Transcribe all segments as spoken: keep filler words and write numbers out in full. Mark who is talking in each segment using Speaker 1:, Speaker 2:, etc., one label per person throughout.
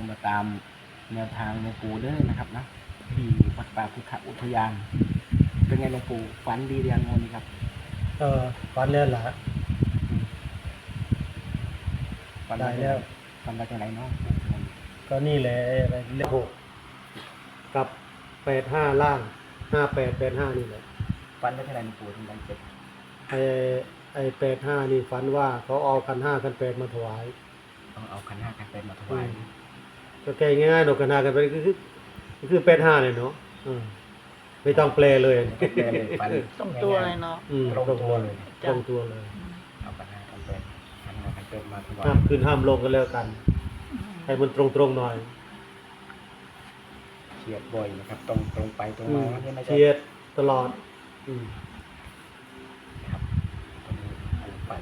Speaker 1: มาตามแนวทางหลวงปู่เด้อนะครับนะที่วัดป่าพุทธอุทยานเป็นไงหลวงปู่ฝันดีเรียงงนครับ
Speaker 2: เออฝันแล้วล่ะ
Speaker 1: ฝัน
Speaker 2: ได้แล้ว
Speaker 1: ฝันมาจากไหนเนาะ
Speaker 2: ก็นี่แหละอะไรเลขหกกับแปดห้าล่างห้าแปดแปดห้านี่แหละ
Speaker 1: ฝันมาจากไหนหลวงปู่ถึงได้เจ็บ
Speaker 2: ไอไอแปดห้านี่ฝันว่าเขาเอาคันห้าคันแปดมาถวาย
Speaker 1: ต้องเอาขันห้าขันแปดมาถวาย
Speaker 2: ก็แก้ง่ายๆดอกคันห้าคันแปดก็คือก็คือแปดห้าเลยเนาะไม่ต้องแปลเลย
Speaker 3: ตรงตัวเลยเนาะ
Speaker 2: ตรงตัวเลยตรงตัวเลย
Speaker 1: เอาขันห้าขันแปดขันห้าขันแปดมาถวาย
Speaker 2: ห้ามขึ้นห้ามลงกันแล้วกันให้มันตรงๆหน่อย
Speaker 1: เฉียดบ่อยนะครับตรงตรงไปตรงมา
Speaker 2: เฉียดตลอด
Speaker 1: ครับตรงนี้ปูฝัน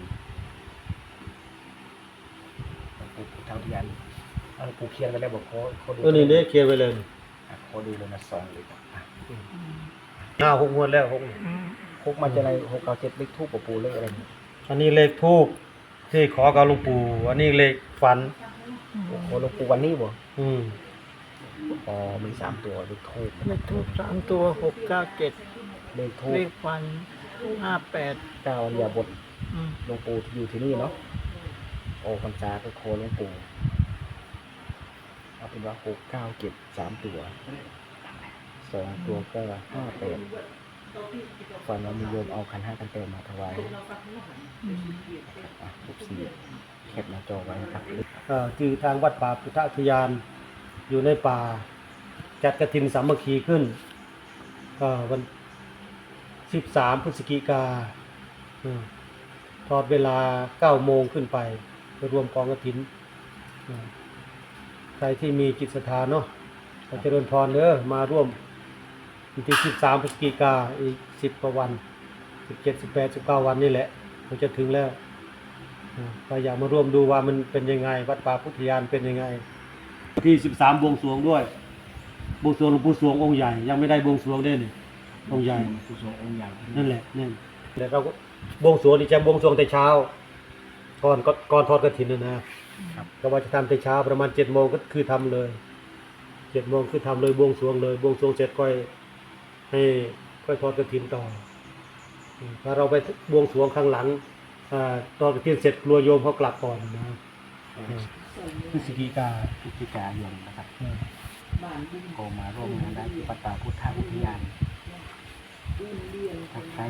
Speaker 1: ปูปูเท่าที่ยันเอาปูเคียนไปแล้วบอกเขาเขาดู
Speaker 2: ตัวนี้เนี่ยเคียนไปเลย
Speaker 1: เขาดูเลยนะซองเลยครับ
Speaker 2: หน้าหกงวดแล้วหก
Speaker 1: หกมาจะอะไรหกเก้าเจ็ดเลขทูบปูเลขอะไรนี่
Speaker 2: อันนี้เลขทูบที่ขอกับหลวงปู่อันนี้เลขฝัน
Speaker 1: โอ้โหหลวงปู่วันนี้บ่
Speaker 2: อืม
Speaker 1: อ๋อมีสามตัวเลขทูบ
Speaker 3: เลขทูบสามตัวหกเก้าเจ็ด
Speaker 1: เลขทูบ
Speaker 3: เลขฟันห้าแปด
Speaker 1: เก้าอย่าบดหลวงปู่อยู่ที่นี่เนาะโอ้พรรษาก็โคหลวงปู่เอาเป็นว่าหกเก้าเจ็ดสามตัวสองตัวก็ห้าแปดฝันว่ามีโยมเอาขันห้ากันเต็มมาถวายทุกสี่แคปหน้าจอไว้นะครับ
Speaker 2: คือทางวัดป่าพุทธอุทยานอยู่ในป่าจัดกฐินสามัคคีขึ้นวันสิบสามพฤศจิกาทอดเวลาเก้าโมงขึ้นไปไปรวมกองกฐินใครที่มีจิตศรัทธาเนาะขอเจริญพรเด้อมาร่วมวันที่สิบสามพฤศจิกาอีกสิบกว่าวันสิบเจ็ดสิบแปดสิบเก้าวันนี่แหละมันจะถึงแล้วใครอยากมาร่วมดูว่ามันเป็นยังไงวัดป่าพุทธอุทยานเป็นยังไงที่สิบสามบวงสรวงด้วยบวงสรวงหลวงปู่สวงองค์ใหญ่ยังไม่ได้บวงสรวงได้นี่องค์ใหญ่
Speaker 1: ปู่สวงองค์ใหญ่
Speaker 2: นั่นแหละนั่นแต่เราบวงสรวงนี่จะบวงสรวงแต่เช้าก่อนก่อนทอดกฐินนะนะก็ว่าจะทำแต่เช้าประมาณเจ็ดโมงก็คือทำเลยเจ็ดโมงคือทำเลยบวงสรวงเลยบวงสรวงเสร็จค่อยให้ค่อยทอดกฐินต่อถ้าเราไปบวงสรวงข้างหลังตอนกฐินเสร็จกลัวโยมเขากลับก่อนนะพฤศจิกา
Speaker 1: พฤศจิกายนนะครับก็มาร่วมงานได้ที่วัดป่าพุทธอุทยานถ้าใคร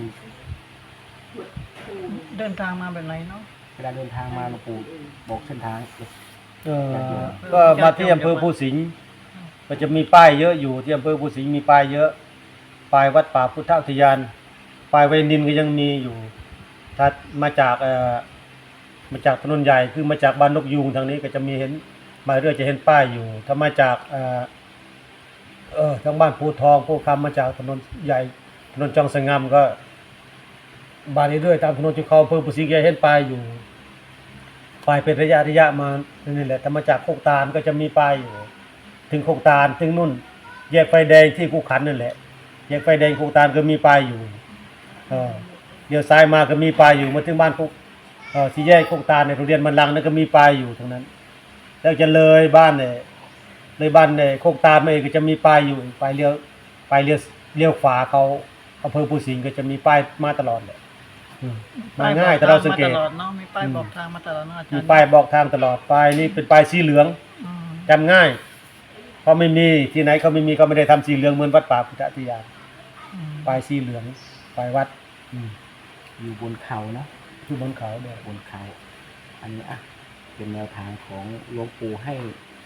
Speaker 3: เดินทางมาแบบไหนเนาะ
Speaker 1: เวลาเดินทางมาหลวงปู่บอกเส้นทาง
Speaker 2: เออก็มาที่อำเภอภูสิงห์ก็จะมีป้ายเยอะอยู่ที่อำเภอภูสิงห์มีป้ายเยอะป้ายวัดป่าพุทธอุทยานป้ายเวนินก็ยังมีอยู่ถ้ามาจากเอ่อมาจากถนนใหญ่คือมาจากบ้านนกยูงทางนี้ก็จะมีเห็นมาเรื่อยจะเห็นป้ายอยู่ถ้ามาจากเอ่อเออทางบ้านภูทองภูคำมาจากถนนใหญ่ถนนจองสงามก็บ้านนี้เรื่อยตามถนนจุเขาอำเภอภูสิงห์จะเห็นป้ายอยู่ป้ายเป็นระยะระยะมานี่แหละถ้ามาจากโคกตาลก็จะมีป้ายอยู่ถึงโคกตาลถึงนู่นแยกไฟแดงที่กูขันนั่นแหละแยกไฟแดงโคกตาลก็มีป้ายอยู่เออเดี๋ยวซ้ายมาก็มีป้ายอยู่มาถึงบ้านโคกเออสี่แยกโคกตาลในโรงเรียนมันลังนั่นก็มีป้ายอยู่ตรงนั้นแล้วจะเลยบ้านเนี่ยเลยบ้านเนี่ยโคกตาลมาเองก็จะมีป้ายอยู่ป้ายเลี้ยวป้ายเลี้ยวเลี้ยวขวาเขาอำเภอภูสิงห์ก็จะมีป้ายมาตลอดเลยมาง่ายแต่เราสังเกต
Speaker 3: มีป้ายบอกทางมาตลอดนะอาจารย์
Speaker 2: มีป้ายบอกทางตลอดป้ายนี่เป็นป้ายสีเหลืองจำง่ายเพราะไม่มีที่ไหนเขาไม่มีเขาไม่ได้ทำสีเหลืองเหมือนวัดป่าพุทธอุทยานป้ายสีเหลืองป้ายวัด
Speaker 1: อยู่บนเขาเนาะ
Speaker 2: อยู่บนเขาเนี่ย
Speaker 1: บนเขาอันนี้อ่ะเป็นแนวทางของหลวงปู่ให้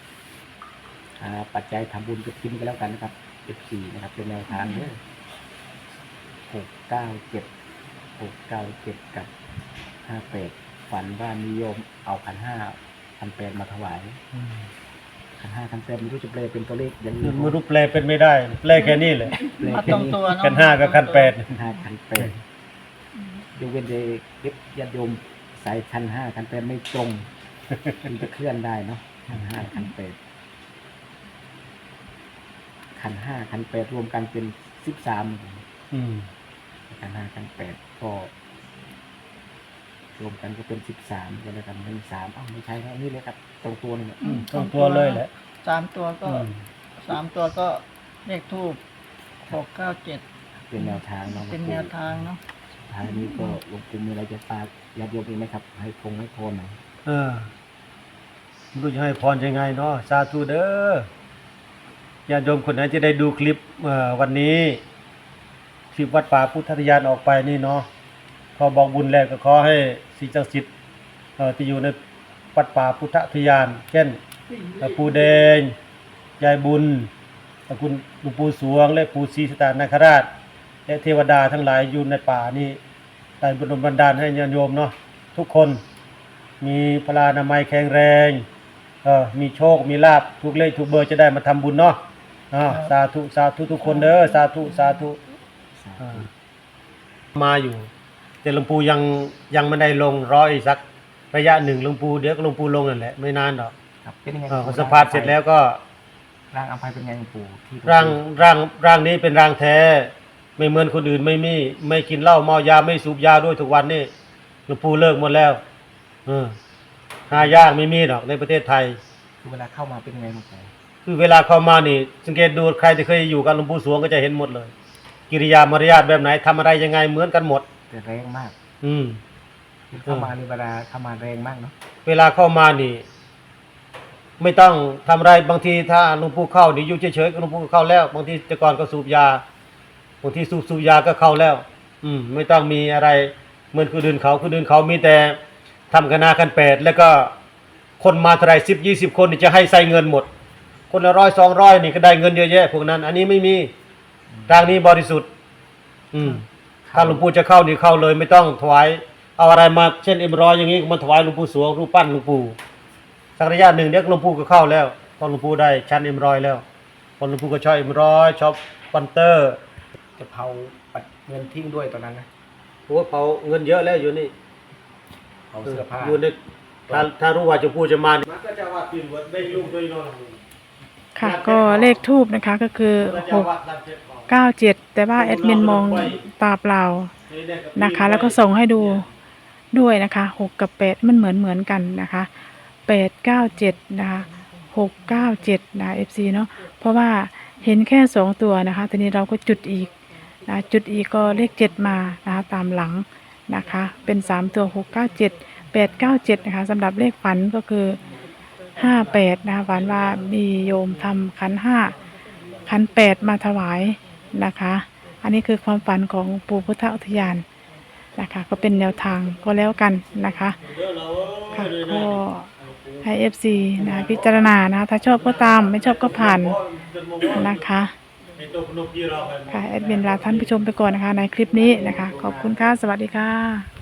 Speaker 1: ปัจจัยทำบุญกับทิมกันแล้วกันนะครับ เอฟ ซี นะครับเป็นแนวทางเนี่ยหกเก้าเจ็ดหกเก้าเจ็ดกับห้าแปดฝันว่านิยมเอาขันห้าขันแปดมาถวายขันห้าขันแปดไม่รู้จะแปลเป็นตัวเลขยัง
Speaker 2: ไม่รู้แปลเป็นไม่ได้แปลแค่นี้แหละ
Speaker 3: มาตรงตัวเนาะ
Speaker 2: ขันห้ากับขันแปด
Speaker 1: ขันห้าขันแปดยกเว้นเด็กญาติโยมใส่ขันห้าขันแปดไม่ตรงมันจะเคลื่อนได้เนาะขันห้าขันแปดขันห้าขันแปดรวมกันเป็นสิบสามขันห้าขันแปดก็รวมกันก็เป็นสิบสามก็เลยกันเป็นสามอ้าวไม่ใช่ครับนี่เลยครับตรงตัวนี่
Speaker 2: ตรงตัวเลยแหละ
Speaker 3: สามตัวก็
Speaker 2: อืม
Speaker 3: สามตัวก็เลขทูบหกเก้าเจ็ด
Speaker 1: เป็นแนวทางเนาะ
Speaker 3: เป็นแนวทางเนาะ
Speaker 1: สุดท้ายนี้ก็หลวงปู่มีอะไรจะฝากญาติโยมอีกไหมครับ ให้พงให้โทนหน่อย
Speaker 2: เออไม่รู้จะให้พรยังไงเนาะสาธุเด้อญาติโยมคนไหนจะได้ดูคลิปเอ่อวันนี้คลิปวัดป่าพุทธทยานออกไปนี่เนาะขอบอกบุญแรกก็ขอให้สิ่งศักดิ์สิทธิ์เอ่อที่อยู่ในวัดป่าพุทธทยาน เช่นปู่แดงยายบุญคุณหลวงปู่สวงและปู่ศรีสตานาคราช และเทวดาทั้งหลายอยู่ในป่านี่ได้บุญบันดาลให้ญาติโยมเนาะทุกคนมีพลานามัยแข็งแรงเออมีโชคมีลาภทุกเลขทุกเบอร์จะได้มาทำบุญเนาะอ่าสาธุสาธุทุกคนเด้อสาธุสาธุ
Speaker 1: สา
Speaker 2: อ่า
Speaker 1: ธุ
Speaker 2: มาอยู่แต่หลวงปู่ยังยังไม่ได้ลงรออีกสักระยะหนึ่งหลวงปู่เดี๋ยวก็หลวงปู่ลงนั่นแหละไม่นานหรอก
Speaker 1: ครับเป็นยังไง
Speaker 2: เออพอสัมภาษณ์เสร็จแล้วก็
Speaker 1: ร่างอภัยเป็นไงหลวงปู่ที่
Speaker 2: ร่างร่างร่างนี้เป็นร่างแท้ไม่เหมือนคนอื่นไม่มีไม่กินเหล้าเมายาไม่สูบยาด้วยทุกวันนี่หลวงปู่เลิกหมดแล้วเออหายากไม่มีหรอกในประเทศไทย
Speaker 1: คือเวลาเข้ามาเป็นยังไงหลวงปู่
Speaker 2: คือเวลาเข้ามานี่สังเกตดูใครที่เคยอยู่กับหลวงปู่สวงก็จะเห็นหมดเลย กิริยามารยาทแบบไหนทำอะไรยังไงเหมือนกันหมด
Speaker 1: แต่แรงมาก
Speaker 2: อืม
Speaker 1: คือเข้ามาในเวลาเข้ามาแรงมากเนาะ
Speaker 2: เวลาเข้ามานี่ ไม่ต้องทำอะไรบางทีถ้าหลวงปู่เข้านี่อยู่เฉยๆก็หลวงปู่ก็เข้าแล้ว บางทีแต่ก่อนก็สูบยาบางทีสูบสูบยาก็เข้าแล้ว อืม ไม่ต้องมีอะไรเหมือนคนอื่นเขาคนอื่นเขามีแต่ทำคณะกันแปดแล้วก็คนมาเท่าไหรสิบยี่สิบคนนี่จะให้ใส่เงินหมด คนละร้อยสองร้อยนี่ก็ได้เงินเยอะแยะพวกนั้น อันนี้ไม่มีทางนี้บริสุทธิ์ อืม ถ้าหลวงปู่จะเข้านี่เข้าเลยไม่ต้องถวายเอาอะไรมาเช่นเอ็มร้อยอย่างนี้มาถวายหลวงปู่สวงรูปปั้นหลวงปู่สักระยะหนึ่งเดี๋ยวหลวงปู่ก็เข้าแล้วตอนหลวงปู่ได้ชั้นเอ็มร้อยแล้วตอนหลวงปู่ก็ชอบเอ็มร้อยชอบปันเตอร์
Speaker 1: จะเผาปัดเงินทิ้งด้วยตอนนั้นนะ
Speaker 2: โอ้เผาเงินเยอะแล้วอยู่นี่
Speaker 1: เผาเสื้อผ้า
Speaker 2: อยู่ในถ้าถ้ารู้ว่าหลวงปู่จะมามันก็จะว่าปีนวัดได้ลูกด้วยนอน
Speaker 4: ค่ะก็เลขทูบนะคะก็คือหกเก้าเจ็ดแต่ว่าแอดมินมองตาเปล่านะคะ แล้วก็ส่งให้ดูด้วยนะคะหกกับแปดมันเหมือนเหมือนกันนะคะแปดเก้าเจ็ดนะคะหกเก้าเจ็ดนะเอฟซีเนาะเพราะว่าเห็นแค่สองตัวนะคะทีนี้เราก็จุดอีกนะจุดอีกก็เลขเจ็ดมานะคะตามหลังนะคะเป็นสามตัวหกเก้าเจ็ดแปดเก้าเจ็ดนะคะสำหรับเลขฝันก็คือห้าแปดนะคะฝันว่ามีโยมทำขันห้าขันแปดมาถวายนะคะ อันนี้คือความฝันของปู่พุทธอุทยานนะคะก็เป็นแนวทางก็แล้วกันนะคะค่ะก็ให้ เอฟ ซี นะคะพิจารณานะคะถ้าชอบก็ตามไม่ชอบก็ผ่านนะคะค่ะแอดมินลาท่านผู้ชมไปก่อนนะคะในคลิปนี้นะคะขอบคุณค่ะสวัสดีค่ะ